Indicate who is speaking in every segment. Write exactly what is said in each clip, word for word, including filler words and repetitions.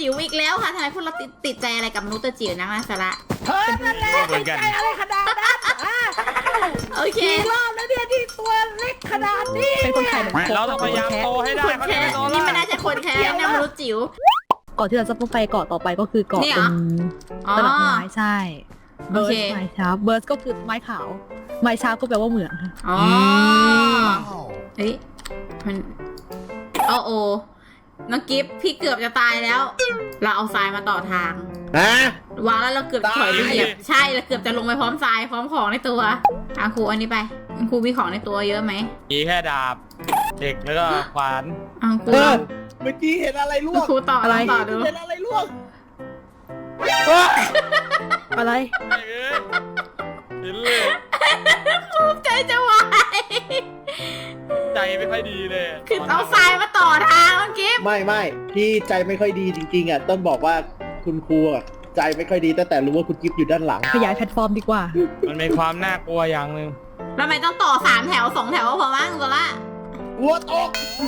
Speaker 1: จิ๋วอีกแล้วค่ะทำไมพวกเราติดติดใจอะไรกับมนุษย์ตัวจิ๋วนักนะสาระ
Speaker 2: เธอนั่นแหละติดใจอะไรขนาดนั้นอ่ะ
Speaker 1: โอเค
Speaker 2: กี่รอบแล้วเนี่ยที่ตัวเล็กขนาดนี้เป็นคนไทยเหมือนกัน
Speaker 3: เราต้องพยายามโตให้ได้
Speaker 1: คน
Speaker 3: เขา
Speaker 1: แค่
Speaker 3: จะโต
Speaker 1: นี่ไม่
Speaker 3: แล้
Speaker 1: น่าว จะคนแค่นะมนุษย์จิ๋ว
Speaker 2: เกาะที่เราจะไปเกาะต่อไปก็คือเกาะ
Speaker 1: นี่เหร
Speaker 2: เป็
Speaker 1: อน อ๋อ
Speaker 2: ตลับไม้ใช่
Speaker 1: โอ
Speaker 2: เบิร์
Speaker 1: เค
Speaker 2: สไม้ชาร์ปเบิร์สก็คือไม้ขาวไม้ชาร์ปก็แปลว่าเหมืองค่ะ
Speaker 1: อ๋อเฮ้ยมันโอ้โอน้องกิฟพี่เกือบจะตายแล้ว เราเอาทรายมาต่อทาง
Speaker 4: ฮะ
Speaker 1: วางแล้วเราเกือบถอยไปเหยียบใช่เราเกือบจะลงไปพร้อมทรายพร้อมของในตัวอ่ะครูอันนี้ไปครูมีของในตัวเยอะไหม
Speaker 3: มีแค่ดาบเด็กแล้วก็ขวาน
Speaker 1: อ่ะครู
Speaker 4: เออเมื่อกี้เห็นอะไรล่วง
Speaker 1: ครูต่อลองต่อดู
Speaker 4: เห็นอะไรล่วง
Speaker 2: อะไร
Speaker 3: เอ้ยเห็นเลย
Speaker 1: ใจจะวาย
Speaker 3: ใจไม่ค่อยดีเลย
Speaker 1: คือเอาทรายมาต่อทางน้องกิฟ
Speaker 4: ไม่ไม่พี่ใจไม่ค่อยดีจริงๆอ่ะต้นบอกว่าคุณครูอ่ะใจไม่ค่อยดีตั้งแต่รู้ว่าคุณกิฟต์อยู่ด้านหลัง
Speaker 2: ขยายแพลตฟอร์มดีกว่า
Speaker 3: มันเป็นความน่ากลัวอย่างหนึ่ง
Speaker 1: แล้วทำไมต้องต่อสามแถวสองแถวก็พอมั้งตัวละ
Speaker 4: หัวตก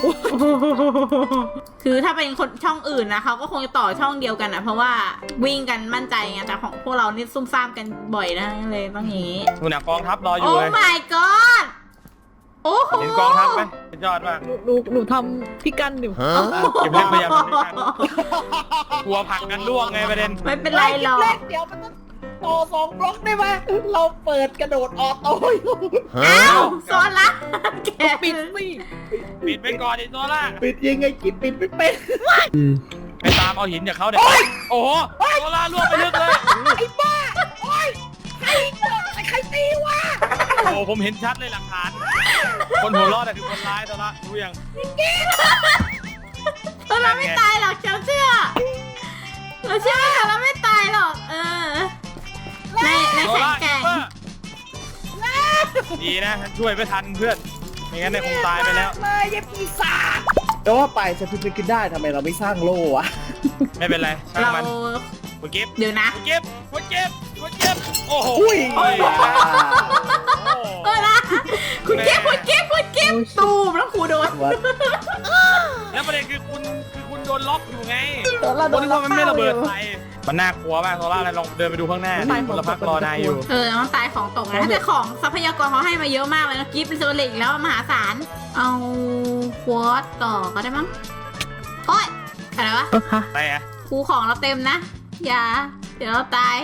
Speaker 1: คือถ้าเป็นคนช่องอื่นนะเขาก็คงจะต่อช่องเดียวกันนะเพราะว่าวิ่งกันมั่นใจไงแต่ของพวกเรานี่ซุ่มซ่ามกันบ่อยนะเลยต้องอย่างนี้
Speaker 3: คุณน่ะกองทัพรออ
Speaker 1: โอ้
Speaker 3: ยู่เลย
Speaker 1: my god โอ้โห
Speaker 3: เห็นกองทัพไหมสุดยอดมาก
Speaker 2: หนูหนูหนูทำพี่กันอยู่
Speaker 3: เก็บเล็กพยายามทำด้วยกันกลัวผลักกันล่วงไงประเด็น
Speaker 1: ไม่เป็นไรหรอก
Speaker 4: เล็กเดี๋ยวมันต้องต่อสองบล็อกได้ไหมเราเปิดกระโดดออโต้อยู่
Speaker 1: อ้าวโซนละแก
Speaker 2: ปิดสิ
Speaker 3: ปิดไปก่อนไอ้ตัวล่า
Speaker 4: ปิดยังไงกินปิดไม่เป็น
Speaker 3: ไปตามเอาหินจากเขาเด็กโอ้โหตัวล่าล่วงไปลึกเลย
Speaker 4: ไอ้บ้าโอ้ยใครใครใครตีวะ
Speaker 3: โอ้ผมเห็นชัดเลยหลักฐาน คนหัวรอดคือคนร้ายตัวละรู้ยัง
Speaker 1: เราไม่ตายหรอกเชื่อเชื่อเราเชื่อว่าเราไม่ตายหรอกเออในใน
Speaker 3: ตัว
Speaker 1: แข่ง
Speaker 3: ล่า
Speaker 1: แข่ง
Speaker 3: ดีนะช่วยไม่ทันเพื่อนไม่งั้นเนี่ยคงตายไปแล้ว
Speaker 4: เลยยังปีศาจแต่ว่าไปจะพิจารณาได้ทำไมเราไม่สร้างโล่วะ
Speaker 3: ไม่เป็นไรช่าง
Speaker 1: เรา
Speaker 3: มันคุณกิฟต์
Speaker 1: เดี๋ยวนะ
Speaker 3: คุณกิฟต์คุณกิฟต์คุณกิฟต์โอ้โห
Speaker 4: อุ้ย
Speaker 3: โอ้ย
Speaker 1: เออนะคุณเก็บคุณเก็บคุณเก็บตูมแล้วครูโดน
Speaker 4: วัด
Speaker 3: แล้วประเด็นคือคุณคือคุณโดนล็อกอยู่ไง
Speaker 4: ตัวละ
Speaker 3: คนที่ว่ามันไม่ระเบิดใส่มันน่ากลัวมากโซล่าอะไรลองเดินไปดูข้างหน้าดิคนละพักรอนายอยู่
Speaker 1: เออมันตายของตกนะแต่ของทรัพยากรเขาให้มาเยอะมากเลยนะกิฟต์เป็นโซลิกแล้วมหาศาลเอาควอตต่อก็ได้มั้งโอ๊ยอะไรวะ
Speaker 2: โอเค
Speaker 3: อะไรอะ
Speaker 1: ครูของเราเต็มนะอย่าเดี๋ยวเราตาย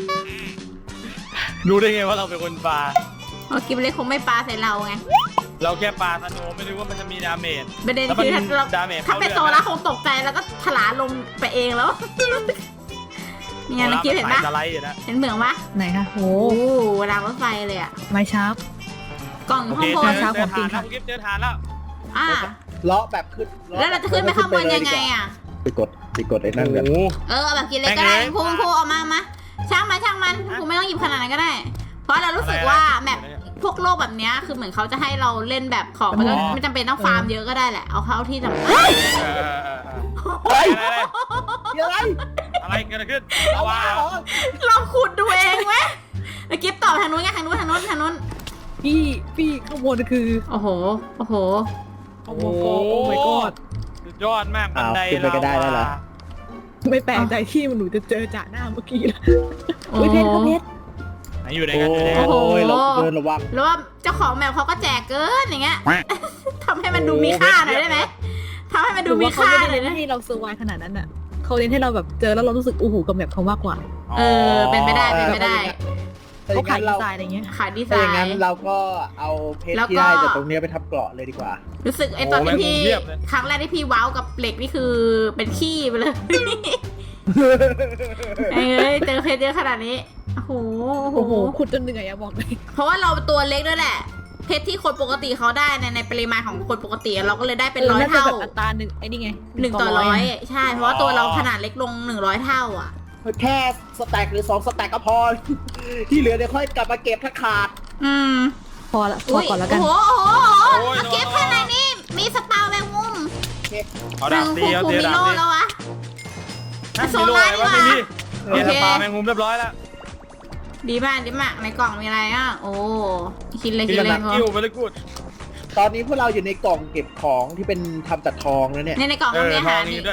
Speaker 3: รู้ได้ไงว่าเราเป็นคนปลา
Speaker 1: เพราะกิฟต์เลยคงไม่ปาใส่เราไง
Speaker 3: เราแค่ปลาธนูไม่รู้ว่ามันจะมีดาเมจ
Speaker 1: ประเด็น
Speaker 3: แล้วมัน
Speaker 1: คือถ้าเรา
Speaker 3: ดาเมจ
Speaker 1: ถ้าเป็นโซล่าคงตกใจแล้วก็ถลาลงไปเองแล้ว เนี่ยนะกิฟต์เห็นปะ
Speaker 3: สไลด์อยู่นะ
Speaker 1: เห็นเหมืองปะ
Speaker 2: ไหนคะโห
Speaker 1: โอ้รางรถไฟเลยอะ
Speaker 2: ไม้ชาร์ป
Speaker 1: กล่อง
Speaker 3: โอ
Speaker 1: ห้
Speaker 3: เค
Speaker 1: องบ
Speaker 3: เจ
Speaker 1: น
Speaker 3: อ
Speaker 2: ช้า
Speaker 3: เจ
Speaker 2: ข
Speaker 3: อ
Speaker 2: องจริ
Speaker 3: ฐาง นแล้ว
Speaker 2: ค่ะ
Speaker 3: คุณกิฟต์เจอฐานแล้ว
Speaker 1: อ่า
Speaker 4: เลาะแบบขึ้น
Speaker 1: แล้วเราจะขึ้นไปข้างบนยังไงอ่ะ
Speaker 4: ไปกดไปกดไอ้นั่นกัน
Speaker 3: โอ้โห
Speaker 1: เออเอาแบบกินเลยก็ได้ครูครูเอามามาช่างมันช่างมันครูไม่ต้องหยิบขนาดนั้นก็ได้ เพราะเรารู้สึกว่าแมปพวกโลกแบบเนี้ยคือเหมือนเขาจะให้เราเล่นแบบของไม่ต้องไม่จำเป็นต้องฟาร์มเยอะก็ได้แหละเอาเข้าที่จำเป็น
Speaker 3: เออเออเออเออ
Speaker 4: เฮ้ย
Speaker 3: อะไร
Speaker 4: ยังไง
Speaker 3: อะไรเกิดขึ้น
Speaker 4: เอา
Speaker 3: เอา
Speaker 4: ว่า
Speaker 3: ว่า
Speaker 4: เหรอ
Speaker 1: ลองขุดดูเองไหมแล้วกิฟต่อทางนู้นไงทางนู้นทางนู้นทางนู้น
Speaker 2: พี่พี่ข้างบนคือ
Speaker 1: โอ้โหโอ้โห
Speaker 2: โอ้โหโอ้ my god
Speaker 3: สุดยอดมากบันได
Speaker 4: อ้าวขึ้นไปก็ได้แล้วเหรอ
Speaker 2: ไม่แปลกใจที่มันหนูจะเจอจ่าหน้าเมื่อกี้แล้ว
Speaker 1: โอ้
Speaker 2: อุ้ยเพชรครับเพชร
Speaker 3: ไหนอยู่ไหน
Speaker 4: โอ้
Speaker 3: กันอยู่ไหนกัน
Speaker 1: โห
Speaker 4: ยเราเดินระวัง
Speaker 1: แล้วว่าเจ้าของแมปเขาก็แจกเกินอย่างเงี้ยทำให้มันดูมีค่าหน่อยได้ไหมทำให้มันดูมีค่า
Speaker 2: ห
Speaker 1: เล
Speaker 2: รื
Speaker 1: ย
Speaker 2: อว่า
Speaker 1: นะ
Speaker 2: เขาไม่ได้ให้เราเซอร์ไวขนาดนั้นอ่ะเขาเน้นให้เราแบบเจอแล้วเรารู้สึกอู้หูกับแบบเขามากกว่า
Speaker 1: เออเป็นไปได้เป็นไปได้
Speaker 4: ถ้าอ
Speaker 2: เขา
Speaker 4: ย่าง
Speaker 2: ขาย
Speaker 4: นั้น
Speaker 2: ดี
Speaker 4: เรา
Speaker 2: ไซน์อะไรเงี้ย
Speaker 1: ขายดีไซ
Speaker 4: ถ้าอย่างนั้น
Speaker 1: น์
Speaker 4: เราก็เอาเพชร
Speaker 1: แล้วก็
Speaker 4: ที่ได้จากตรงเนี้ยไปทำเกราะเลยดีกว่า
Speaker 1: รู้สึกไอ้ตอนที่พี่ครั้งแรกที่พี่ว้าวกับเหล็กนี่คือเป็นขี้ไปเลย เอ้ยเจอเพชรเยอะขนาดนี้โอ้โห
Speaker 2: โอ้โหขุดจนเหนื่อยอะบอกเลย
Speaker 1: เพราะว่าเราตัวเล็กด้วยแหละ เพชรที่คนปกติเขาได้ในในปริมาณของคนปกติเราก็เลยได้เป็นร้อยเท่า
Speaker 2: น่จะแบบอัตราหนึ่งไอ้นี่ไง
Speaker 1: หนึ่งต่อร้อยใช่เพราะว่าตัวเราขนาดเล็กลงหนึ่งร้อยเท่าอ่ะ
Speaker 4: แค่สแต็กหรือสองสแต็กก็พอ ที่เหลือเดี๋ยวค่อยกลับมาเก็บถ้าขาด
Speaker 1: อืม
Speaker 2: พอละพอก่อนแล้วกัน
Speaker 1: โอ้โหโอ้โหเก็บข้างในนี่มีสปาแมงมุม
Speaker 3: เอา
Speaker 1: ห
Speaker 3: ดา
Speaker 1: นึ่
Speaker 3: บ
Speaker 1: ง
Speaker 3: ตี
Speaker 1: คู
Speaker 3: เอา
Speaker 1: คู
Speaker 3: ตี
Speaker 1: มิ
Speaker 3: ดาบ
Speaker 1: โล
Speaker 3: ตี
Speaker 1: แล้ววะ
Speaker 3: ฮะ
Speaker 1: โซ
Speaker 3: มีโล่
Speaker 1: ล่า
Speaker 3: อะไรวะ
Speaker 1: ดี
Speaker 3: นี่
Speaker 1: กว่า
Speaker 3: พี่
Speaker 1: โอเค
Speaker 3: เนี่ยสปาแมงมุมเรียบร้อยแล้ว
Speaker 1: ดีมากดีมากในกล่องมีอะไรอ่ะ โอ้คิดเลย
Speaker 3: พี่
Speaker 1: คิด
Speaker 3: กำ
Speaker 1: เล
Speaker 3: ลั
Speaker 1: ย
Speaker 3: ง
Speaker 1: เขา
Speaker 3: กิ้วไปเลยกูด
Speaker 4: ตอนนี้พวกเราอยู่ในกล่องเก็บของที่เป็นทำจากทองแล้วเนี่ย
Speaker 1: ในในกล่อง
Speaker 3: เอ
Speaker 1: ก็
Speaker 3: อ
Speaker 1: มีอา
Speaker 3: ทอ
Speaker 1: หาง ร
Speaker 3: นี้
Speaker 1: นี่
Speaker 3: ด้วย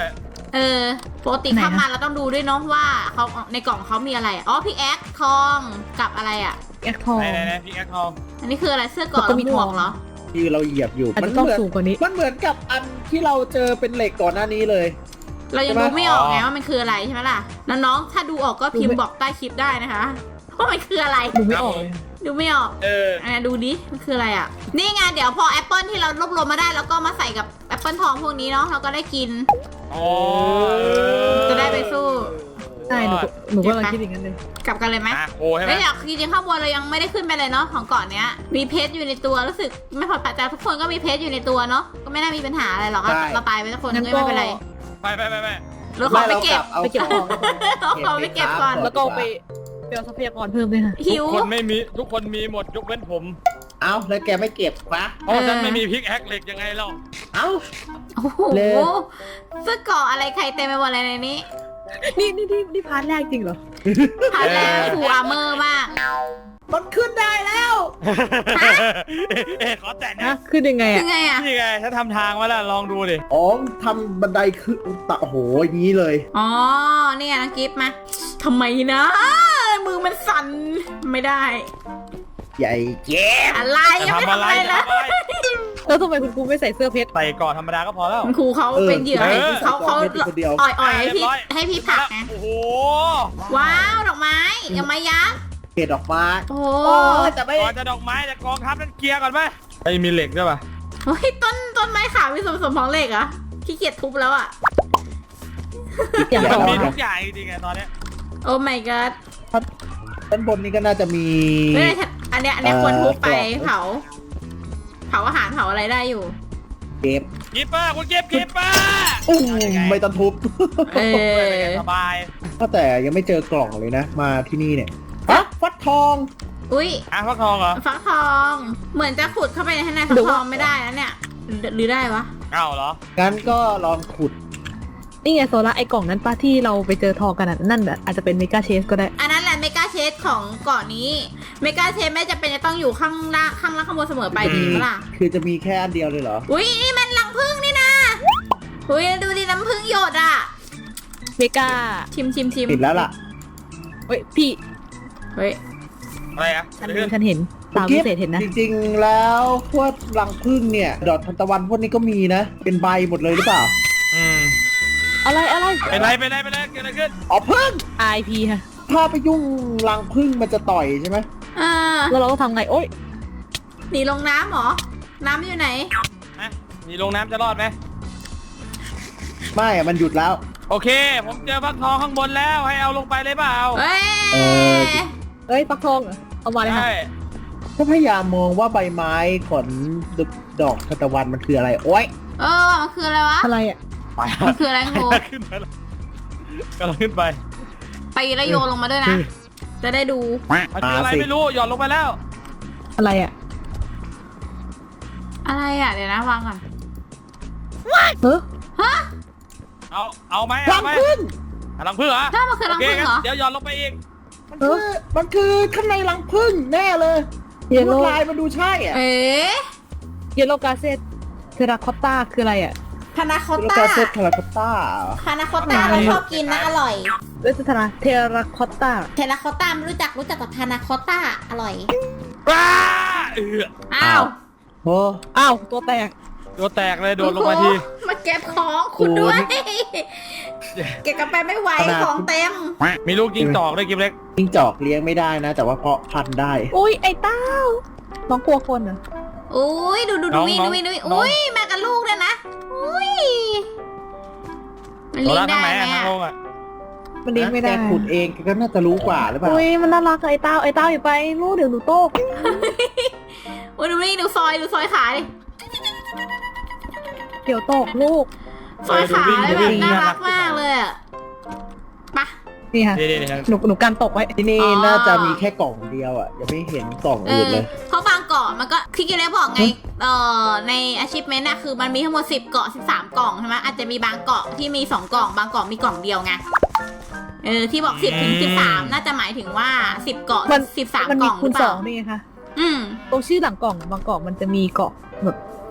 Speaker 1: เออปกติ
Speaker 2: ไหนนะ
Speaker 1: เข้ามาเราต้องดูด้วยเนาะว่าเขาในกล่องเขามีอะไรอ๋อพี่แอ๊กทองกับอะไรอ่ะ
Speaker 2: แอคทอง
Speaker 3: ไหนไหนไหนพี่แอคทอง
Speaker 1: อันนี้คืออะไรเสื้อเกราะ
Speaker 2: แล้วก็
Speaker 1: แล้ว
Speaker 2: มี
Speaker 1: หมวก
Speaker 2: ทอง
Speaker 1: เหรอ
Speaker 4: ที่เราเหยียบอยู่
Speaker 2: อาจ
Speaker 4: มัน
Speaker 2: จะต้อง
Speaker 4: เหมือน
Speaker 2: สูงกว่านี้
Speaker 4: มันเหมือนกับอันที่เราเจอเป็นเหล็กก่อนหน้านี้เลย
Speaker 1: เรายัง
Speaker 4: ใช่
Speaker 1: ดู
Speaker 4: ไหม
Speaker 1: ไม่ออกไงว่ามันคืออะไรใช่ไหมล่ะน้องๆถ้าดูออกก็พิม
Speaker 2: ดู
Speaker 1: พ์
Speaker 2: ไม่
Speaker 1: บอกใต้คลิปได้นะคะว่ามันคืออะไร
Speaker 2: ดูไม่ออกเลย
Speaker 1: ดูไม่ออก
Speaker 3: เออ
Speaker 1: อ่ะดูดิมันคืออะไรอ่ะนี่ไงเดี๋ยวพอแอปเปิลที่เรารวบรวมมาได้แล้วก็มาใส่กับแอปเปิลทองพวกนี้เนาะเราก็ได้กิน
Speaker 3: อ๋อ
Speaker 1: จะได้ไปสู้
Speaker 2: ใช่หนูก็หนูก็กำลังคิดอย่างนั้นเลย
Speaker 1: กลับกันเลยไหม
Speaker 3: อ่ะโอ้ใช่ไหม
Speaker 1: แล้วอยากจริงๆข้างบนเรายังไม่ได้ขึ้นไปเลยเนาะของเกาะเนี้ยมีเพชรอยู่ในตัวรู้สึกไม่พอปัจจัยทุกคนก็มีเพชรอยู่ในตัวเนาะก็ไม่น่ามีปัญหาอะไรหรอก
Speaker 4: ใช่
Speaker 1: เราตายไปทุกคน
Speaker 2: งั้
Speaker 1: ก็
Speaker 2: นก็
Speaker 1: ไม่เป็นไร
Speaker 3: ไปไปไปไป
Speaker 1: เราขอไปเก็บ
Speaker 4: เอา
Speaker 2: ไปเก็บของ
Speaker 1: เราขอไปเก็บก่อน
Speaker 2: แล้วก็ไปไปเอาทรัพยากรเพิ่มด้วยค่ะ
Speaker 1: หิ
Speaker 3: ทุ
Speaker 1: ว
Speaker 3: กคนไม่มีทุกคนมีหมดยกเว้นผม
Speaker 4: เอาแล้วแกไม่เก็บปะ
Speaker 3: เพราะฉันไม่มีพิกแอคเหล็กยังไงเล่า
Speaker 4: เอา
Speaker 1: โอ้โห
Speaker 4: เลย
Speaker 1: เสื้อเกราะอะไรใครเต็มไปหมดเลยในนี้
Speaker 2: นี่นี่นี่นี่พาร์ทแรกจริงเหรอ
Speaker 1: ผ่านแล้วฟูอาร์เมอร์มาก
Speaker 4: มันขึ้นได้แล้ว
Speaker 3: เอ๊ะขอแต่นะ
Speaker 2: ฮะขึ้นยังไง
Speaker 1: ยั
Speaker 2: อ่ะ
Speaker 1: งไงอะ
Speaker 3: นี่ไงฉันทำทางไว้แล้วลองดูดิ
Speaker 4: อ๋อทำบันไดขึ้นตะโอ้โหอย่างนี้เลย
Speaker 1: อ๋อนี่ไงน้องกิฟต์มาทำไมนะมือมันสั่นไม่ได้
Speaker 4: ใหญ่เจ็บ
Speaker 1: อะไร
Speaker 3: จะ
Speaker 1: ยังไม่
Speaker 3: ทำ
Speaker 1: ทำ
Speaker 3: อะไร
Speaker 1: อะไรเลย
Speaker 3: จะทำอะไร
Speaker 2: แล้วทำไมคุณครูไม่ใส่เสื้อเพชร
Speaker 3: ใส่ก่อนธรรมดาก็พอแล้ว
Speaker 1: คุณครูเขาเป็นเหยื่อ
Speaker 3: เออ
Speaker 1: เขาเขา
Speaker 4: ไม่ได้คนเดียว
Speaker 1: อ่อยอ่อยให้พี่
Speaker 3: เรียบร้อย
Speaker 1: ให้พี่ผลักไง
Speaker 3: โอ้โห
Speaker 1: ว้าวดอกไม้อย่ามายักษ์
Speaker 4: เกตออกมา
Speaker 1: โอ้
Speaker 4: โอ้ยแต่ไม่
Speaker 3: ก่อนจะดอกไม้จะกองทัพนั่นเกียร์ก่อนไหมไอ้มีเหล็กด้วยป่ะ
Speaker 1: เฮ้ยต้นต้นไม้ขาวมีส่วนผสมของเหล็กเหรอขี้เกียจทุบแล้วอ่ะ
Speaker 2: อย่าง
Speaker 3: มัน
Speaker 2: ต่อ
Speaker 3: มีทุกอย่างจริงๆไงตอนเนี้ย
Speaker 1: โอ้ my god
Speaker 4: ด้านบนนี้ก็น่าจะมี
Speaker 1: เฮ้ยอันเนี้ยอันเนี้ยควรทุบไป
Speaker 4: เอ่อ
Speaker 1: เผาเผาอาหารเผาอะไรได้อยู่
Speaker 4: เก็บ
Speaker 3: กีปเปอร์คุณเก็บกีปเปอร์
Speaker 4: อู้ไม่ต้องทุบ
Speaker 1: เออ
Speaker 3: สบาย
Speaker 4: ก็แต่ยังไม่เจอกล่องเลยนะ มาที่นี่เนี่ยฮะฟัดทอง
Speaker 1: อุ้ย
Speaker 3: อ่ะฟักทองเหรอ
Speaker 1: ฟักทอง เหมือนจะขุดเข้าไปในข้างในฟักทองไม่ได้แล้วเนี่ยหรือหรือได้วะ
Speaker 3: เอ้าเหรอ
Speaker 4: งั้นก็ลองขุด
Speaker 2: นี่ไงโซล่าไอ้กล่องนั้นป้าที่เราไปเจอทองกันอะนั่นแบบอาจจะเป็นเมกาเชสก็ได้
Speaker 1: อันนั้นแหละเมกาเชสของเกาะนี้เมกาเชสไม่จะเป็นจะต้องอยู่ข้างล่างข้างล่างข้างบนเสมอไปดีไหมล่ะ
Speaker 4: คือจะมีแค่อันเดียวเลยเหรอ
Speaker 1: อุ้ยนี่มันรังผึ้งนี่นะอุ้ยดูดิน้ำผึ้งหยดอ่ะ
Speaker 2: เมกา
Speaker 1: ชิมชิมชิม
Speaker 4: ติดแล้วล่ะ
Speaker 2: เฮ้ยพี่
Speaker 1: เฮ้ย
Speaker 3: อะไรอ่ะ
Speaker 2: ฉันรู้ฉันเห็นตามพิเศษเห็นนะ
Speaker 4: จริงๆ แล้วพวกรังผึ้งเนี่ย ดอกทานตะวันพวกนี้ก็มีนะ เป็นใบหมดเลยหรือเปล่า
Speaker 3: อืม
Speaker 2: อะไรอะไร
Speaker 3: เป็นไรเป็นไรเป็นไรเกิดอะไรขึ้น
Speaker 4: อ๋อผึ้ง
Speaker 2: ไอพีค่ะ
Speaker 4: ถ้าไปยุ่งรังผึ้งมันจะต่อยใช่ไหม
Speaker 1: เออ
Speaker 2: แล้วเราก็ทำไงโอ๊ย
Speaker 1: หนีลงน้ำเหรอ น้ำอยู่ไหน
Speaker 3: นะมีลงน้ำจะรอดไหม
Speaker 4: ไม่อะมันหยุดแล้ว
Speaker 3: โอเค ผมเจอฟักทองข้างบนแล้วให้เอาลงไปเลยเปล่า
Speaker 1: เฮ้ย
Speaker 4: เออ
Speaker 2: เอ้ยฟักทองเหรอเอามาเลยค่ะ
Speaker 3: ใช่
Speaker 4: ก็พยายามมองว่าใบไม้ขนดอกทานตะวันมันคืออะไร โอ๊ย
Speaker 1: เออมันคืออะไรวะ
Speaker 2: อะไรอ่ะ
Speaker 3: ไป
Speaker 1: มันคืออะไรครู
Speaker 3: ขึ้นไปแล้วกำลังขึ้นไป
Speaker 1: ไปแล้วโยนลงมาด้วยนะ จะได้ดู
Speaker 3: มันคืออะไรไม่รู้หย่อนลงไปแล้ว
Speaker 2: อะไรอ่ะ
Speaker 1: อะไรอ่ะ เดี๋ยวนะวางก่อน
Speaker 2: เฮ้ย
Speaker 1: ฮะ
Speaker 3: เอาเอาไหม
Speaker 4: รั
Speaker 3: เอา
Speaker 4: ง
Speaker 3: ไหม
Speaker 4: ผึ้ง
Speaker 3: อ่ะรังผึ้งเหรอ
Speaker 1: ถ้ามันคือ
Speaker 3: โอ
Speaker 1: รัง
Speaker 3: เค
Speaker 1: ผึ้ง
Speaker 3: งั้น
Speaker 1: เหรอ
Speaker 3: เดี๋ยวหย่อนลงไปอีก
Speaker 4: มันคือมันคือข้างในรังผึ้งแน่เลย
Speaker 2: เยล
Speaker 4: ล
Speaker 2: โล่
Speaker 4: วดลายมันดูใช่อ่ะ
Speaker 1: เอ๊ะ
Speaker 2: เยลโล่กาเซตเทราคอตตาคืออะไรอ่ะ
Speaker 1: พานาคอต
Speaker 4: แล้ว
Speaker 1: ต้า
Speaker 4: ก็เซตคาราคาต้า
Speaker 1: พานาคอตต้าเราชอบกินนะอร่อย
Speaker 2: เวสทราเทราคอตตา
Speaker 1: เทนาคอตต้าไม่รู้จักรู้จักแต่พานาคอตต้าอร่อย
Speaker 3: ว้าเออ
Speaker 1: อ้าว
Speaker 4: โอ้
Speaker 2: อ้าวตัวแตก
Speaker 3: ตัวแตกเลยโดดลงมาที
Speaker 1: มาเก็บของคุณด้วย เก็บกันไปไม่ไหวของเต็ม
Speaker 3: มีลูกยิงจอกด้วยกิมเล็ก
Speaker 4: จิ้งจอกเลี้ยงไม่ได้นะ แต่ว่าเพาะพันธุ์ได้
Speaker 2: อุ้ยไอ้เต้าน้องกลัวคนเหรอ
Speaker 1: อุ้ยดูดูดูวิ่งดูวิ่งดูวิ่งอุ้ยมากับลูกด้วยนะอุ้ยมัน
Speaker 3: ตัว
Speaker 1: เลี้ย
Speaker 3: ละ
Speaker 1: ง
Speaker 3: ทาง
Speaker 1: ได้
Speaker 3: ไหน
Speaker 1: ไหม
Speaker 3: อะทาง
Speaker 1: อะ
Speaker 3: ลงอ่ะ
Speaker 2: มันเลี้ยงไม่ได้
Speaker 4: แกขุดเองแกก็น่าจะรู้กว่าหรือเปล่า
Speaker 2: อุ้ยมันน่ารักอะไอ้เต้าไอ้เต้าอยู่ไปลูกเดี๋ยวหนูโตก
Speaker 1: อุ้ยดูวิ่งดูซอยดูซอยขาดิ
Speaker 2: เดี๋ยวโตกลูก
Speaker 1: ซอยขาเลยแบบน่ารักมากเลยอะไป
Speaker 2: นี่ค่ะ
Speaker 3: นี่นี่นี่
Speaker 2: หนูหนูการตกไว้
Speaker 4: ที่นี่
Speaker 1: อ๋อ
Speaker 4: น่าจะมีแค่กล่องเดียวอ่ะ ยังไม่เห็นกล่อง
Speaker 1: เอ
Speaker 4: อื่น
Speaker 1: อ
Speaker 4: เลย
Speaker 1: เพราะบางเกาะมันก็ที่กินได้บอกไงเอ่อใน achievement น่ะคือมันมีทั้งหมดสิบเกาะสิบสามกล่องใช่ไหมอาจจะมีบางเกาะที่มีสองกล่องบางเกาะมีกล่องเดียวไงเออที่บอกสิบถึงสิบสามน่าจะหมายถึงว่าสิบเกาะ
Speaker 2: มัน
Speaker 1: สิบสาม
Speaker 2: มัน
Speaker 1: ก
Speaker 2: มี
Speaker 1: ล่องห
Speaker 2: คู
Speaker 1: รื
Speaker 2: ณ
Speaker 1: อเป
Speaker 2: สอ
Speaker 1: ล่าง
Speaker 2: นี่ไงคะ
Speaker 1: อืม
Speaker 2: ตรงชื่อหลังกล่องบางกล่องมันจะมีเกาะแบบ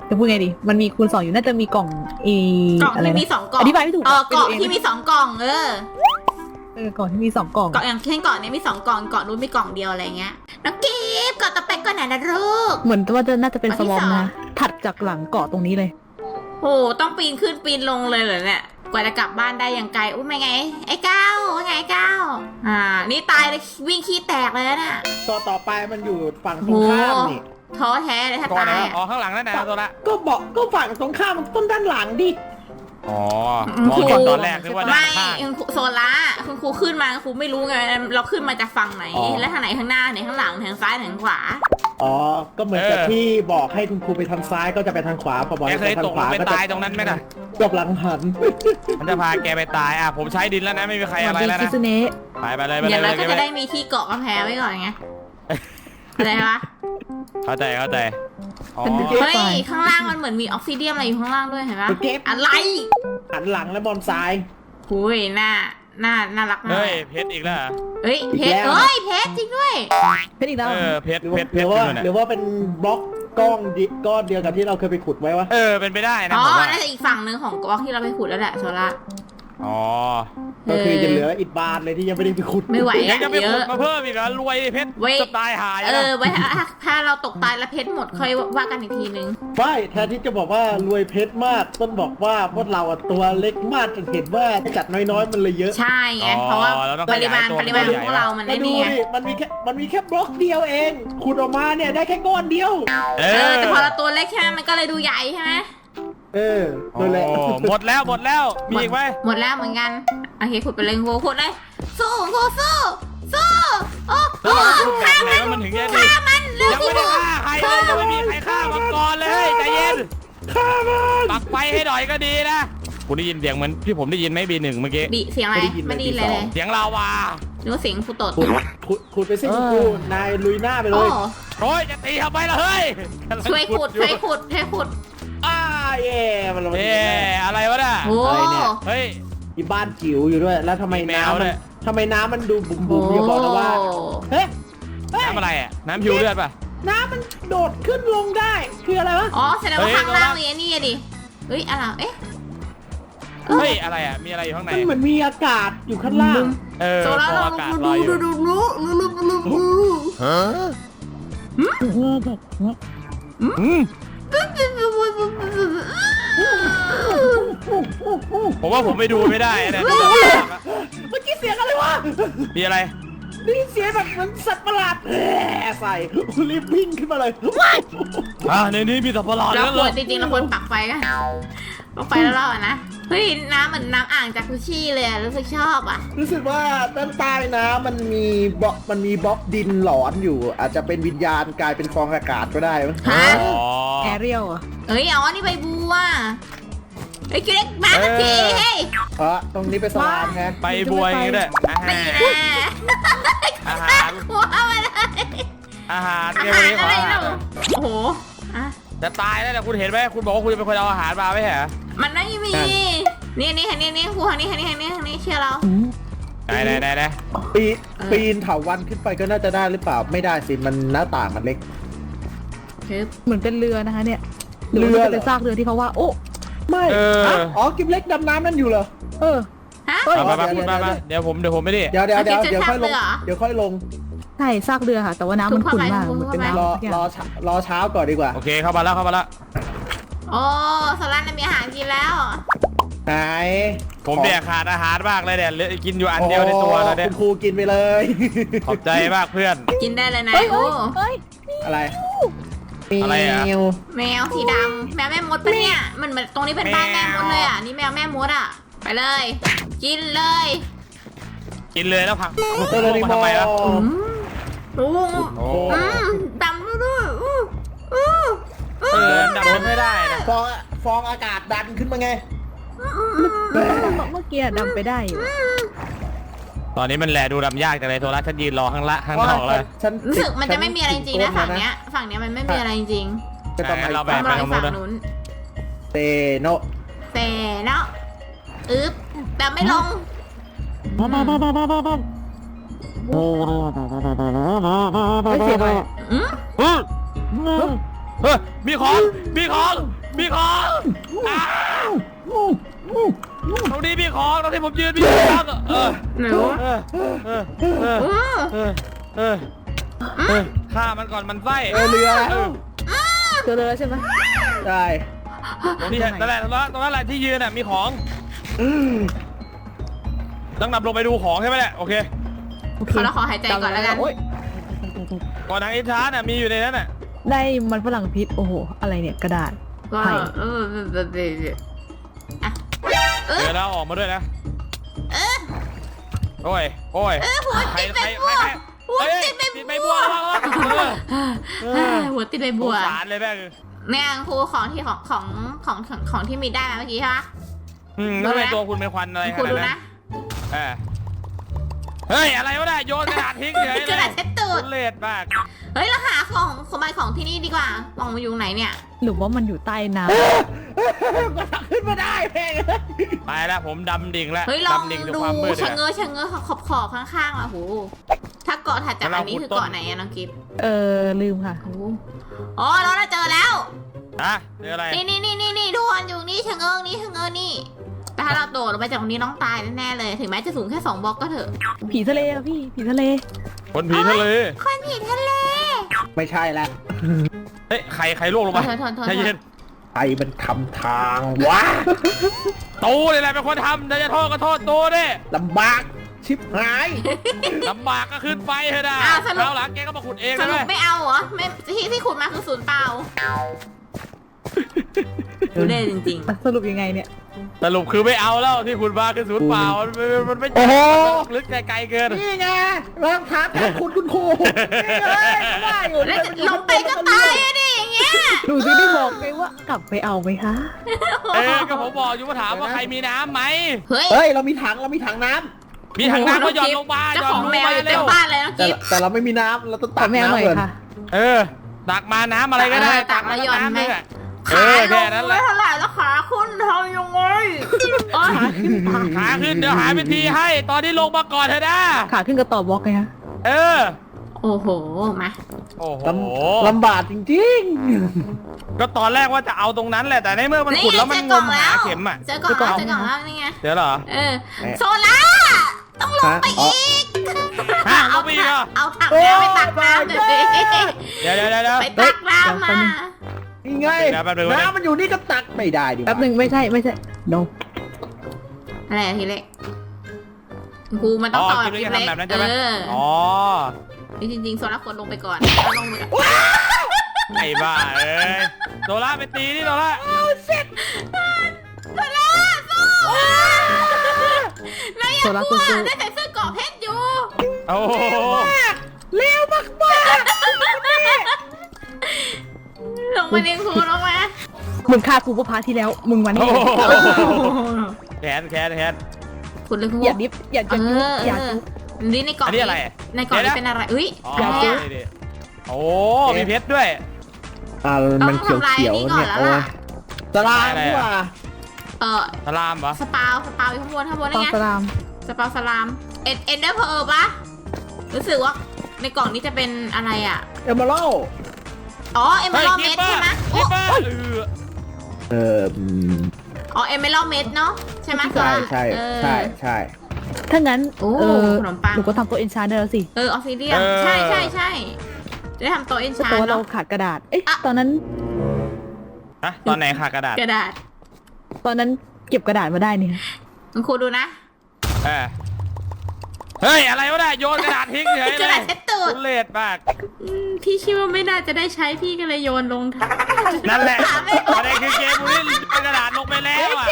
Speaker 2: จะพูดไงดีมันมีคูณสองอยู่น่าจะมีกล่องอี
Speaker 1: กล่อง
Speaker 2: อะไร
Speaker 1: ที่
Speaker 2: นะ
Speaker 1: มีสองกล่อง
Speaker 2: อธิบายไม่ถูก
Speaker 1: เออเกาะ
Speaker 2: ไปดูเอง
Speaker 1: ที่มีสองกล่องเออ
Speaker 2: เออกล่องที่มีสองกล่อง
Speaker 1: เกาะอย่างเช่นเกาะนี้มีสองกล่องเกาะนู้นมีกล่องเดียวอะไรเงี้ยน้องกีฟเกาะต่อไปก่อนไหนนะลูก
Speaker 2: เหมือนว่าจะน่าจะเป็น
Speaker 1: อัน
Speaker 2: ส
Speaker 1: ที่
Speaker 2: วอม
Speaker 1: สอง
Speaker 2: นะถัดจากหลังเกาะตรงนี้เลย
Speaker 1: โอ้ต้องปีนขึ้นปีนลงเลยเหรอเนี่ยกว่าจะกลับบ้านได้อย่างไกลอุ้ยไม่ไงไอ้ก้าวว่าไงไอ้ก้าวอ่านี่ตายเลยวิ่งขี้แตกเลยนะเนี่ย
Speaker 4: ตัวต่อไปมันอยู่ฝั่งตรงข้ามนี่
Speaker 1: ท้อแท้เลยถ้า
Speaker 3: ก่อน
Speaker 1: ตา
Speaker 3: นะ
Speaker 1: ย
Speaker 3: อ๋อ
Speaker 1: อะ
Speaker 3: ข้างหลังนั่นนะโซล่า
Speaker 4: ก็บอกก็ฝั่งตรงข้ามต้นด้านหลังดิ
Speaker 3: อ๋อมองก่อนตอนแรกนึกว่าด้า
Speaker 1: ไม่
Speaker 3: นข้าง
Speaker 1: คุณครูโซล่าคุณครูขึ้นมาคุณครูไม่รู้ไงเราขึ้นมาจากฝั่งไหน แล้วทางไหนข้างหน้าไหนข้างหลังไหนข้างซ้ายไหนข้างขวา
Speaker 4: อ๋อก็เหมือนกับที่บอกให้คุณครูไปทางซ้ายก็จะไปทางขวาพอบอก
Speaker 3: แก
Speaker 4: ให้
Speaker 3: เค
Speaker 4: ไป
Speaker 3: ย
Speaker 4: ทา
Speaker 3: ต
Speaker 4: ง
Speaker 3: ก
Speaker 4: ขวา
Speaker 3: ไป
Speaker 4: ก็จะ
Speaker 3: ตายตรงนั้นไหมน่ะ
Speaker 4: จบหลังหัน
Speaker 3: มันจะพาแกไปตายอ่ะผมใช้ดินแล้วนะไม่มีใคร
Speaker 2: สวั
Speaker 3: อะ
Speaker 2: ส
Speaker 3: ไร
Speaker 2: ดี
Speaker 3: แล้ว
Speaker 2: คิ
Speaker 3: นะ
Speaker 2: ซุเนะ
Speaker 3: ไปไปเลยไป
Speaker 1: เดี๋ยว
Speaker 3: เล
Speaker 1: เรา
Speaker 3: ย
Speaker 1: ก็
Speaker 3: ไป
Speaker 1: จะ
Speaker 3: เล
Speaker 1: ได้
Speaker 3: ย
Speaker 1: มีที่เกาะกำแพงไว้ก่อนไงอะไรวะ
Speaker 3: เข้าใจเข้าใจอ๋อ
Speaker 1: เฮ้ยข้างล่างมันเหมือนมีออกซิเดียมอะไรอยู่ข้างล่างด้วยเห็นปะ
Speaker 4: เก็บ
Speaker 1: อะไร
Speaker 4: หันหลังแล้วบอลซ้าย
Speaker 1: หุยหน้าหน้าน่ารักมาก
Speaker 3: เฮ้ยเพชรอีกแล้วเหรอ
Speaker 1: เฮ้ยเพชร
Speaker 4: อีกแล้ว
Speaker 1: เอ้ยเพชรจริงด้วย
Speaker 2: เป็นอีกแล้ว
Speaker 3: เออเพชร
Speaker 4: หรือ
Speaker 3: เพ
Speaker 4: ว่า
Speaker 3: ชรเพ
Speaker 4: หรื
Speaker 3: ช
Speaker 4: อ
Speaker 3: ร
Speaker 4: ว่า
Speaker 3: ขึ้นมา
Speaker 4: หรือว่าเป็นบล็อกก้อนดิก้อนเดียวกับที่เราเคยไปขุดไว้วะ
Speaker 3: เออเป็นไปได้นะ
Speaker 1: อ๋อ
Speaker 3: ผมว่า
Speaker 1: น่าจะอีกฝั่งหนึ่งของกอกที่เราไปขุดแล้วแหละโซล่า
Speaker 3: อ๋อ
Speaker 4: ก็คือจะเหลืออิฐบานเลยที่ยังไม่ได้ไปขุด
Speaker 1: ไม่ไหว
Speaker 3: ยั
Speaker 1: อะ
Speaker 3: งจะไป
Speaker 1: เย
Speaker 3: ขุด
Speaker 1: อะ
Speaker 3: มาเพิ่มอีกเหรอรวยดิเพชร
Speaker 1: เว้ย
Speaker 3: จะตายหาย
Speaker 1: เอ
Speaker 3: นะ
Speaker 1: อไว้ถ้าถ้าเราตกตายแล้วเพชรหมดค่อยว่ากันอีกทีนึง
Speaker 4: ไม่แทนที่จะบอกว่ารวยเพชรมากต้นบอกว่าพวกเราอะตัวเล็กมากจนเห็นว่าจัดน้อยๆมันเลยเยอะ
Speaker 1: ใช่ไงเพราะว่าปริมาณปริมาณของพวกเรามัน
Speaker 4: มา
Speaker 1: ไอ้
Speaker 4: ดู
Speaker 1: นี่ไง
Speaker 4: ดิมันมีแค่มันมีแค่บล็อกเดียวเองขุดออกมาเนี่ยได้แค่ก้อนเดียว
Speaker 3: เอ
Speaker 1: เออ
Speaker 3: อ
Speaker 1: แต่พอเราตัวเล็กใช่ไหมมันก็เลยดูใหญ่ใช่ไหม
Speaker 4: เออนั่นแหละ
Speaker 3: โอ้หมดแล้วหมดแล้วมีอีกไหม
Speaker 1: หมดแล้วเหมือนกันโอเคขุดไปเลยโหขุดเลยสู้โหสู้สู้โอ้โห
Speaker 3: แล้วเราขุดแบ
Speaker 1: ฆ่า
Speaker 3: บไหน
Speaker 1: มัน
Speaker 3: ว่ามันถึงจะดี
Speaker 1: ฆ่ามันเร็ว
Speaker 3: ยังไม่ได้ฆ่าใครเลยยังไม่มีใครฆ่ามังกรเลยใจเย็น
Speaker 4: ฆ่ามัน
Speaker 3: ปักไฟให้หน่อยก็ดีนะคุณได้ยินเสียงเหมือนที่ผมได้ยินไหมบีหนึ่งเมื่อกี้
Speaker 1: บีเสียงอะไรไม่ได้ยินเลยเลย
Speaker 3: เสียงลาวา
Speaker 1: นึกว่าเสียงฟูโตด
Speaker 4: ขุดขุดขุดไปสิคุณครูนายลุยหน้าไปเล
Speaker 1: โอ้
Speaker 4: ย
Speaker 3: โอ้ยจะตีทำไมล่ะเฮ้ย
Speaker 1: ช่วยขุดช่วยขุดช่วยขุด
Speaker 4: อ้าเย่มันลงมา
Speaker 3: เอ๊ะอะไรวะน่ะ
Speaker 1: โอ้
Speaker 4: อะไรเนี่ย
Speaker 3: เฮ้ย
Speaker 4: มีบ้านจิ๋วอยู่ด้วย แล้วทำไม
Speaker 3: มีแมว
Speaker 4: น้ำ
Speaker 3: ด้
Speaker 4: มัน
Speaker 3: วย
Speaker 4: ทำไมน้ำมันดูบุ๋มบุ๋มอย่าบอกนะว่าเฮ้ยเฮ้ย
Speaker 3: น้ำอะไรอ่ะน้ำผิวเลือดป่ะ
Speaker 4: น้ำมันโดดขึ้นลงได้คืออะไรวะ
Speaker 1: อ๋อแสดงว่า
Speaker 3: เฮ้ย
Speaker 1: ข้างล่าง
Speaker 3: โซล่า
Speaker 1: มีไอ้นี่อะดิเฮ้ยอะไรเอ๊ะ
Speaker 3: เฮ้ยอะไรอ่ะมีอะไรอยู่ข้างใน
Speaker 4: มันเหมือนมีอากาศอยู่ข้างล่าง
Speaker 3: เออ
Speaker 1: โซล่า
Speaker 3: พอ
Speaker 1: เรา
Speaker 3: อากาศล
Speaker 1: ดู
Speaker 3: อยอยู่
Speaker 1: ดูดูดูดูดูดูดู
Speaker 3: อืมผมว่าผมไปดูไม่ได้นะ
Speaker 4: เมื่อกี้เสียงอะไรวะ
Speaker 3: มีอะไร
Speaker 4: ได้ยินเสียงแบบเหมือนสัตว์ประหลาดแหมใส่รีบวิ่งขึ้นมาเลย
Speaker 3: อ่าในนี้มีสัตว์ประหลาด
Speaker 1: เรา
Speaker 3: แล้ว
Speaker 1: ค
Speaker 3: เหร
Speaker 1: ว
Speaker 3: อ
Speaker 1: รจริงๆเราควรปักไฟกันปักไฟแล้วเราอะนะเฮ้ยน้ำเหมือนน้ำอ่างจากกุชี่เลยอะรู้สึกชอบอ่ะ
Speaker 4: รู้สึกว่าด้านใต้น้ำมันมีบล็อกมันมีบล็อกดินหลอนอยู่ อาจจะเป็นวิญญาณกลายเป็นฟองอากาศก็ได้มั้ง
Speaker 1: ฮะ
Speaker 3: อ๋อ
Speaker 2: แอเรียลอ่ะ
Speaker 1: เอ้ยอ๋อนี่ใบบัวไอ้ยคิวเล็กมาสักทีเฮ้ย
Speaker 4: เออตรงนี้เป็นสลามไง
Speaker 3: ไปบวยอย่างงี้ด้วยอาหา
Speaker 1: ตี
Speaker 3: ร
Speaker 1: นะ
Speaker 3: อาหาร
Speaker 1: หัวมาเลย
Speaker 3: อาหาร
Speaker 1: อา
Speaker 3: เกม
Speaker 1: หาร
Speaker 3: นี้ขอ
Speaker 1: อะไร
Speaker 3: อาหาร
Speaker 1: เนาะโอ้โหอ่ะ
Speaker 3: จะตายแล้วเนี่ยคุณเห็นไหมคุณบอกว่าคุณจะเป็นคนเอาอาหารมาไม่ใช่เหรอ
Speaker 1: มันไม่มีนี่นี่นี่นี่ครูทางนี้ทางนี้ทางนี้ทางนี้เชื่อเรา
Speaker 3: ไหนไหนไหนไหน
Speaker 4: ปีปีนเถาวันขึ้นไปก็น่าจะได้หรือเปล่าไม่ได้สิมันหน้าต่างมันเล็ก
Speaker 1: ฮึบ
Speaker 2: เหมือนเป็นเรือนะคะเนี่ยห
Speaker 4: เรือ
Speaker 2: ว่า
Speaker 4: เหรอ
Speaker 2: จะเป็นซากเรือที่เขาว่าโอ้
Speaker 4: ไม่
Speaker 3: เออ
Speaker 4: ฮะอ๋อกิมเล็กดำน้ำนั่นอยู่เหรอ
Speaker 2: เออ
Speaker 1: ฮะ
Speaker 2: เฮ้ย
Speaker 3: มามา
Speaker 4: เดี๋
Speaker 3: พู
Speaker 4: ยว
Speaker 3: ดมา
Speaker 4: เดี๋ยว
Speaker 3: มาเดี๋ยวผมเดี๋ยวผมไม่ได้
Speaker 4: เดี๋ยวเดี๋ยวเดี๋ยว
Speaker 1: เอา
Speaker 4: เดี๋ยวค่อยลง
Speaker 1: เก็บซากเรือเหรอ
Speaker 4: เดี๋ยวค่อยลง
Speaker 2: ใช่ซากเรือค่ะ แต่ว่าน้ำมันขุ่นมาก
Speaker 1: ทุก
Speaker 2: เห
Speaker 1: เข้า
Speaker 2: มื
Speaker 1: ไป
Speaker 2: อนเป็น
Speaker 1: ทุกเข้าไป
Speaker 2: น้ำ
Speaker 4: รอรอช้ารอเช้าก่อนดีกว่า
Speaker 3: โอเคเข้ามาแล้วเข้ามาแล้ว
Speaker 1: โอ้สลันมีอาหารกินแล้ว
Speaker 4: ไหน
Speaker 3: ผมเนี่ยขาดอาหารมากเลยเนี่ยเหลือกินอยู่อันเดียวในตัวแล้วเนี่ย
Speaker 4: คุณครูกินไปเลย
Speaker 3: ขอบใจมากเพื่อน
Speaker 1: กินได้เลยนะ
Speaker 2: เฮ้ย
Speaker 1: โอ้
Speaker 2: เฮ้ย
Speaker 4: อะไร
Speaker 3: อะไรอะ
Speaker 4: แมว
Speaker 1: แมวสีดำแมวแม่มดปะเนี่ยมันเหมือนตรงนี้เป็นบ้านแม่มดเลยอ่ะนี่แมวแม่มดอ่ะไปเลย กินเลย
Speaker 3: กินเลยแล้วผัก
Speaker 4: เตอร์นิ
Speaker 3: มา
Speaker 4: โม
Speaker 3: ทำไมล่ะ
Speaker 1: อืมโอ้
Speaker 3: โอ้
Speaker 1: อืมดำด้วยอู้อู้
Speaker 3: เออดับมันไม่ได้นะ
Speaker 4: ฟองฟองอากาศดันขึ้นมาไง
Speaker 2: เมื่อกี้ดำไปได้อยู่
Speaker 3: ตอนนี้มันแลดูดำยากจังเลยโทรศัพท์ฉันยืนรอข้างละข้างนอกเลย
Speaker 4: ฉัน
Speaker 1: รู้สึกมันจะไม่มีอะไรจริงๆนะฝั่งเนี้ยฝั่งเนี้ยมันไม่มีอะไรจริง
Speaker 4: จะต้อง
Speaker 3: เรา
Speaker 4: ไป
Speaker 3: แบ
Speaker 1: ต้
Speaker 3: ก
Speaker 1: อง
Speaker 3: ไป
Speaker 1: รอ
Speaker 3: ตร
Speaker 1: อี
Speaker 3: ง
Speaker 1: ก
Speaker 3: นู้นนะ
Speaker 1: ฝั่งนู้น
Speaker 4: เตโน
Speaker 1: เซเนาะอึ๊บแบบไม่ลง
Speaker 2: เฮ้ยเสียงอะไร
Speaker 1: อืม
Speaker 3: เฮ้ยเฮ้ยมีของมีของมีของอ้าวตรงนี้มีของตรงที่ผมยืนมีของเออ
Speaker 1: หนู
Speaker 3: เออเออเออ
Speaker 1: เออ
Speaker 3: เออเออเออฆ่ามันก่อนมันไส้
Speaker 4: เออเรือ
Speaker 3: เออ
Speaker 2: เจอเลยใช่ไหม
Speaker 4: ใช่
Speaker 3: ตรงนี้นั่นแหละตรงนั้นตรงนั้นแหละที่ยืนน่ะมีของต้องนำลงไปดูของใช่ไหมเนี่ยโอเค
Speaker 2: โอเค
Speaker 1: ขอเราขอหายใจก่อนแล้วกัน
Speaker 2: โอ๊ย
Speaker 3: ก่อนทางอินทาร์น่ะมีอยู่ในนั้นน่ะ
Speaker 2: ได้มันฝรั่งพิษโอ้โหอะไรเนี่ยกระดาษ
Speaker 1: ก็
Speaker 2: ไผ่
Speaker 1: เออเออเออเอออ่ะเออ
Speaker 3: เดี๋ยวเราออกมาด้วยนะ
Speaker 1: เออ
Speaker 3: โอ้ยโอ้ย
Speaker 1: เออหัว
Speaker 3: ใคร
Speaker 1: ติด
Speaker 3: ใค
Speaker 1: ใบ
Speaker 3: ร
Speaker 1: บัว
Speaker 3: ใคร
Speaker 1: หัว
Speaker 3: เฮ้ย
Speaker 1: ติดใบ
Speaker 3: ติด
Speaker 1: บั
Speaker 3: ใบ
Speaker 1: ว
Speaker 3: บัวแล้วเออ
Speaker 1: หัวติดใบ
Speaker 3: ส
Speaker 1: บั
Speaker 3: ง
Speaker 1: ว
Speaker 3: สารเลยแม่ง
Speaker 1: เนี่ยครูของที่ของของของของของที่มีได้มาเมื่อกี้ใช่ปะ
Speaker 3: อืมทำไมตัวคุณเป็นควันอะไรข
Speaker 1: ครู
Speaker 3: นาด
Speaker 1: ดู
Speaker 3: นั้น
Speaker 1: นะ
Speaker 3: เออเฮ้ยอะไรวะเนี่ยโยนกระดาษทิ้งเฉย
Speaker 1: กระดาษเช็ดตูด
Speaker 3: ทุเรศมาก
Speaker 1: เฮ้ยเราหาของสมบัติของที่นี่ดีกว่าลองมาอยู่ไหนเนี่ย
Speaker 2: หรือว่ามันอยู่ใต้น้
Speaker 4: มันขึ้นมาได้แพง
Speaker 3: ไปแล้วผมดำดิ่งแล้ว
Speaker 1: เฮ้ยลอง
Speaker 3: ดำดิ่งถึง
Speaker 1: ดู
Speaker 3: ความมืด
Speaker 1: ชะ
Speaker 3: เลย
Speaker 1: เง้อชะเง้อขอบขอบข้างๆอ่ะโหถ้าเกาะถัดจากอันนี้คือเกาะไหนอะน้องกิฟต์
Speaker 2: ำเออลืมค่ะ
Speaker 1: โอ้โหอ๋อเราเจอแล้ว
Speaker 3: อะเจออะไร
Speaker 1: นี่นี่นี่นี่นี่ทุกคนอยู่นี่ชะเง้อนี่ชะเง้อนี่แต่ถ้าเราโดดลงไปจากตรงนี้น้องตายแน่ๆเลยถึงแม้จะสูงแค่สองบล็อกก็เถอะ
Speaker 2: ผีทะเลอะพี่ผีทะเล
Speaker 3: คนผีทะเล
Speaker 1: คนผีทะเล
Speaker 4: ไม่ใช่แล้ว
Speaker 3: เฮ้ยใครใครล่วงลงมา
Speaker 1: โทษโทษโทษ
Speaker 3: ใจเย็น
Speaker 4: ใครมันทำทางวะ
Speaker 3: ตูนี่แหละเป็นคนทำแต่จะโทษก็โทษตูดิ
Speaker 4: ลำบากชิบหาย
Speaker 3: ลำบากก็ขึ้นไปเถอะนะ
Speaker 1: อ้าวสรุป
Speaker 3: เอาหลังแกก็มาขุดเอง
Speaker 1: ส
Speaker 3: เลย
Speaker 1: รุปไม่เอาเหรอไม่ที่ที่ขุดมาคือศูนย์เปล่าดูเล่จริง
Speaker 2: สรุปยังไงเนี่ย
Speaker 3: สรุปคือไม่เอาแล้วที่ขุดมาคือศูนย์เปล่ามันมันมันไม่
Speaker 4: โอ้โห
Speaker 3: มันลึกไกลๆเกิน
Speaker 4: นี่ไงรองเท้าแทนคุณคุณครูนี่เลยก็ว่าอยู่
Speaker 1: ๆแล้วจะลงไปก็ตายอะดิอย่างเงี้ย
Speaker 2: ดูสิได้บอกไงว่ากลับไปเอาไหมคะ
Speaker 3: เออก็ผมบอกอยู่ว่าถามว่าใครมีน้ำไหม
Speaker 1: เฮ้ย
Speaker 4: เฮ้ยเรามีถังเรามีถังน้ำ
Speaker 3: มีถังน้ำก็หย่อนลงมาห
Speaker 1: เจ้า
Speaker 3: ย่อน
Speaker 1: ของ
Speaker 3: ลง
Speaker 1: แมว
Speaker 3: มา
Speaker 1: อยู่
Speaker 3: เร็
Speaker 1: เต็ม
Speaker 3: ว
Speaker 1: บ้านเลยน้อง
Speaker 4: แต่
Speaker 1: กิฟต์
Speaker 4: แต่เราไม่มีน้ำเราต้องตั
Speaker 2: ตั
Speaker 4: ก
Speaker 2: กแม่ห
Speaker 4: น้ำ
Speaker 2: น่อย
Speaker 4: ก่อน
Speaker 2: ค่ะ
Speaker 3: เออตักมาน้ำอะไรก็ได้
Speaker 1: เออตักมาหย่อน
Speaker 3: น้ำ
Speaker 1: ไหม
Speaker 3: นึงอะเอ
Speaker 1: ขา
Speaker 3: อ
Speaker 1: ล
Speaker 3: แค่
Speaker 1: ง
Speaker 3: นั้นแห
Speaker 1: ไม่
Speaker 3: ละ
Speaker 1: เท่าไหร่แล้วขาขึ้นทำยังไงโอ๊ย
Speaker 3: ขาขึ้นเดี๋ยวหาวิธีให้ตอนนี้ลงมาก่อนเถอะนะ
Speaker 2: ขาขึ้นกระต่อบล็อกไงคะ
Speaker 3: เออ
Speaker 1: โอ้โหมา
Speaker 3: โอ้โห
Speaker 4: ลำลำบากจริง
Speaker 3: ก็ตอนแรกว่าจะเอาตรงนั้นแหละแต่ในเมื่อมันขุดแล้วมันงมหาเข็มอ่ะ
Speaker 1: เจอกล่องแล้วเจอกล่องแล้วนี่ไง
Speaker 3: เดี๋ยวเหรอ
Speaker 1: เออโซล่าต้องลงไปอีก
Speaker 3: ฮะลงไปอีกเหรอ
Speaker 1: เอาถังน้ำไปตักน้ำเดี๋ยวดิ
Speaker 3: เดี๋ยวเดี๋ยวเดี๋ยวเดี๋ยว
Speaker 1: ไปตักน้ำมา
Speaker 4: ๆนี่ไง
Speaker 3: เดี๋ยวแป๊บนึงแป๊บนึง
Speaker 4: น้ำมันอยู่นี่ก็ตักไม่ได้ดิวะ
Speaker 2: แป๊บหนึ่งไม่ใช่ไม่ใช่ no
Speaker 1: อะไรอะทีเล็กครูมันต้องต่อ
Speaker 3: กิน
Speaker 1: แบบ
Speaker 3: ด้วย
Speaker 1: ที
Speaker 3: กัน
Speaker 1: เล็ก
Speaker 3: ทำแบบนั้นใช่ไหม
Speaker 1: เออ
Speaker 3: อ๋อ
Speaker 1: จริงๆโซล่าควรลงไปก่อนแล้วลงไปก่อน
Speaker 3: ไอ้บ้าเอ้ยโดล่าไปตีนี่โดล่า
Speaker 1: โซล่าสู้นายอย่ากลัวได้ใส่เสื้อเกราะเพชรอยู่
Speaker 3: โอ้โห
Speaker 4: เร็วมากมาก
Speaker 1: ลงมาเรียนครูลงมา
Speaker 2: มึงฆ่ากูเมื่อพาร์ทที่แล้ว มึงวัน
Speaker 3: โอ้
Speaker 2: นี้
Speaker 3: โหแขนแขนแขน
Speaker 1: คุณเลยครู
Speaker 2: อย่าดิฟอย่า
Speaker 1: เอ
Speaker 2: จะยุบ
Speaker 1: อ
Speaker 2: อย่า
Speaker 1: เออ
Speaker 2: ยุบ
Speaker 1: นี่ในกล่อง
Speaker 3: อันนี้อะไร
Speaker 1: ในกล่อง
Speaker 3: เดี๋
Speaker 1: นี้
Speaker 3: ยวนะ
Speaker 1: เป็นอะไรอุ้ย
Speaker 3: อ๋อ
Speaker 1: อะไร
Speaker 3: นี่
Speaker 1: อะ
Speaker 3: นี่โอ้มีเพชรด้วย
Speaker 4: อ่ามันเขียวเขียวๆเนี่ยโอ้ยตารางนี่ว่า
Speaker 1: เออ
Speaker 3: สลามปะ
Speaker 1: สปาวสปาวอยู่ข้างบนข้างบน
Speaker 2: ต
Speaker 1: นั่
Speaker 2: อน
Speaker 1: ไง
Speaker 2: สลาม
Speaker 1: สปาวสลามเอ็ดเอ็นเดอร์เพอร์ปะรู้สึกว่าในกล่องนี้จะเป็นอะไรอ่ะ
Speaker 4: เอเมอรัล
Speaker 1: อ๋อเอเมอรัลเมดใช่ไหม
Speaker 3: คิปเปอร์เออ
Speaker 4: เอออืม
Speaker 1: อ๋อเอเมอรัลเมดเนาะใช่ไหม
Speaker 4: ใช่ใช่
Speaker 1: เออ
Speaker 4: ใช่ใช่
Speaker 2: ถ้างั้น
Speaker 1: โอ้
Speaker 2: เออ
Speaker 1: ขนมปัง
Speaker 2: หนูก็ทำตัวเอนชาร์ได้แล้วสิ
Speaker 1: เออออฟซิเดียมใช่ใช่ใช่ได้ทำโตัวเอนชา
Speaker 2: แต่ว่าเรา
Speaker 1: เนาะ
Speaker 2: ขาดกระดาษ เอ๊ะ
Speaker 1: อ่ะ
Speaker 2: ตอนนั้น
Speaker 3: ฮะตอนไหนขากระดาษ
Speaker 1: กระดาษ
Speaker 2: ตอนนั้นเก็บกระดาษมาได้นี่
Speaker 1: คุณครูดูนะ
Speaker 3: เออเฮ้ยอะไรวะเนี่ยโยนกระดาษทิ้งเฉย
Speaker 1: ก
Speaker 3: เล
Speaker 1: ระดาย ษเช็ดตูด
Speaker 3: ทุเรศมาก
Speaker 1: อืมพี่คิดว่าไม่น่าจะได้ใช้พี่ก็เลยโยนลงถัง
Speaker 3: นั่นแหละประเด็นคือเกมนี้เป็นกระดาษลงไปแล้วอ่ะ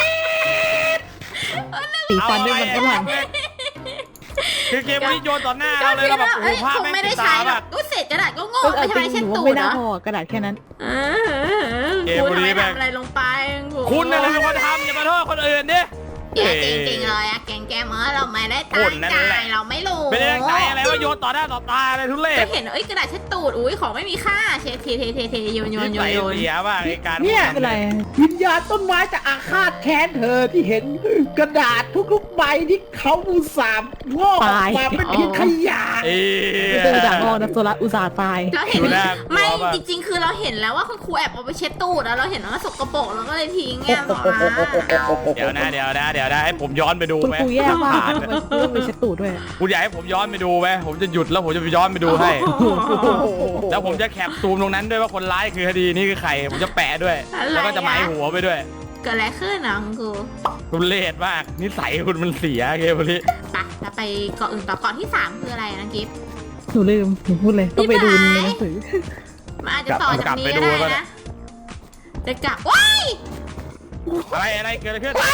Speaker 2: สีฟันด้วยมันฝรั่ง
Speaker 3: คือเกมนี้โยนต่อหน้าเราเลยเราแบบโอ้โห
Speaker 1: เอ้ย
Speaker 3: ภาพ
Speaker 1: คง
Speaker 3: แม่ง
Speaker 1: ไม่
Speaker 3: ติ
Speaker 1: ได้
Speaker 3: ด
Speaker 1: ใช้
Speaker 3: ตา
Speaker 1: หร
Speaker 3: แบ
Speaker 1: อก
Speaker 3: บ
Speaker 1: อุ้ยเศษกระดาษก็โง่
Speaker 2: ก็
Speaker 1: ไม่
Speaker 2: เอา
Speaker 1: ใช่
Speaker 2: จริง
Speaker 1: เช็ด
Speaker 2: หนู
Speaker 1: ตู
Speaker 2: ว่า
Speaker 1: ด
Speaker 2: ไม่น่า
Speaker 1: เหร
Speaker 2: พ
Speaker 1: อ
Speaker 2: อกระดาษแค่นั้น
Speaker 1: เออ
Speaker 3: เกม
Speaker 1: คุณ
Speaker 3: บุรี
Speaker 1: ทำไม
Speaker 3: แม่ง
Speaker 1: ทำอะไรลงไป
Speaker 3: คุณน่ะเป็นคนทำอย่ามาโทษคนอื่นดิ
Speaker 1: เดี๋ยวจริงๆเลยอะอะแกงแกมเออเราไม่ได้ตั้งใจเราไม่รู้
Speaker 3: ไม่ได้ตั้งใจอะไรว่าโยนต่อหน้าต่อตาอะไรทุเรศ
Speaker 1: ก็เห็นเอ้ยกระดาษเช็ดตูดอุ้ยของไม่มีค่าเช็ดเทเทเทเทโยนโยนโยนโยน
Speaker 3: เสียบ้างไอ้การ
Speaker 4: เนี่ย
Speaker 2: ไม่เป็นไร
Speaker 4: วิญญาณต้นไม้จะอาฆาตแค้นเธอที่เห็นกระดาษทุกๆใบที่เขาอุตส่าห์งอกออกมาเป็นเพียงขยะ
Speaker 3: เอ้
Speaker 2: ไม่ใช่อุตส่าห์งอนะโซล่าอุตส่าห์ตาย
Speaker 1: เราเห็น
Speaker 3: ดูน่ากลัว
Speaker 1: ไม่
Speaker 3: ป่ะ
Speaker 1: จริงๆ คือเราเห็นแล้วว่าคุณครูแอบเอาไปเช็ดตูดแล้วเราเห็นว่ามันสกปรกเราก็เลยทิ้งไงหมอ
Speaker 3: เดี๋ยวนะเดี๋ยวนะเดี๋ยวนะให้ผมย้อนไปดู
Speaker 2: คุณ
Speaker 3: ไหม
Speaker 2: ครูแย่มากทำไมเรื่องไปเช็ดตูดด้วย
Speaker 3: คุณอยากให้ผมย้อนไปดูไหมผมจะหยุดแล้วผมจะไปย้อนไปดูให้ แล้วผมจะแคปซูมตรงนั้นด้วยว่าคนร้ายคือคดีนี้คือใครผมจะแปะด้วย แล้วก็จะหมายหัวไปด้วย
Speaker 1: เกิดอะไรขึ้นนะคุณครู
Speaker 3: คุณเลดมากนิสัยคุณมันเสียเกมนี้
Speaker 1: ไปเราไปเกาะอื่นต่อเกาะที่สามคืออะไรนะกิฟต์
Speaker 2: หนูลืมหนูพูดเลยต้องไปดูในหนังสือ
Speaker 1: มันอาจจะต่อจากนี้ก็ได้นะจะกลับว้าย
Speaker 3: อะไรอะไรเกิดอะไรขึ้น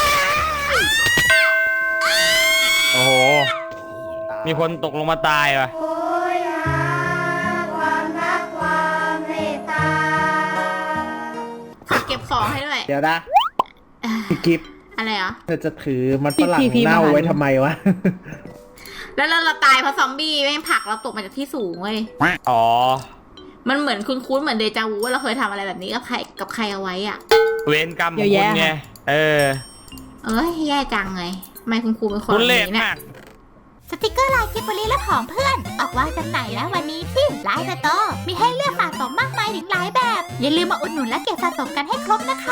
Speaker 3: โอ้โหมีคนตกลงมาตายว่ะ
Speaker 1: เก็บของให้ด้วย
Speaker 4: เดี๋ยวนะพี่กิฟต์
Speaker 1: อะไรอ่ะ
Speaker 4: เธอจะถือมันฝรั่งเน่าไว้ทำไมวะ
Speaker 1: แล้วเราเราตายเพราะซอมบี้แม่งผลักเราตกมาจากที่สูงเว้ย
Speaker 3: อ๋อ
Speaker 1: มันเหมือนคุ้นๆเหมือนเดจาวูว่าเราเคยทำอะไรแบบนี้กับใครกับใครเอาไว้อ่ะ
Speaker 3: เวรกรรมของคุณไงเออ
Speaker 1: เอ้ยแย่จังเลยทำไมคุณครูเป็นคน
Speaker 3: คุณ
Speaker 1: แบบ
Speaker 3: เลด
Speaker 1: นี้เนี่ย
Speaker 3: มาก
Speaker 5: สติกเกอร์ลายกิบบลีและของเพื่อน ออกวางจำหน่ายแล้ววันนี้ที่ไลน์สโตร์มีให้เลือกสะสมมากมายถึงหลายแบบ อย่าลืมมาอุดหนุนและเก็บสะสมกันให้ครบนะคะ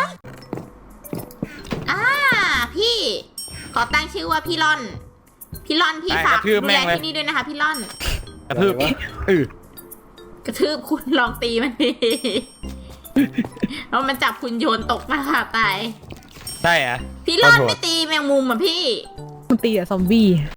Speaker 1: อ่าพี่ ขอตั้งชื่อว่าพี่ล่อน พี่ล่อนพี่ฝากดูแลที่นี่ด้วยนะคะพี่ล่อน
Speaker 3: กระทืบเออก
Speaker 1: ระทืบคุณลองตีมันดิ แล้วมันจับคุณโยนตกมาค่ะตาย
Speaker 3: ใช่อะ
Speaker 1: พี่ล่อนไม่ตีแมงมุมอ่ะพี่
Speaker 2: มันตีอะซอมบี้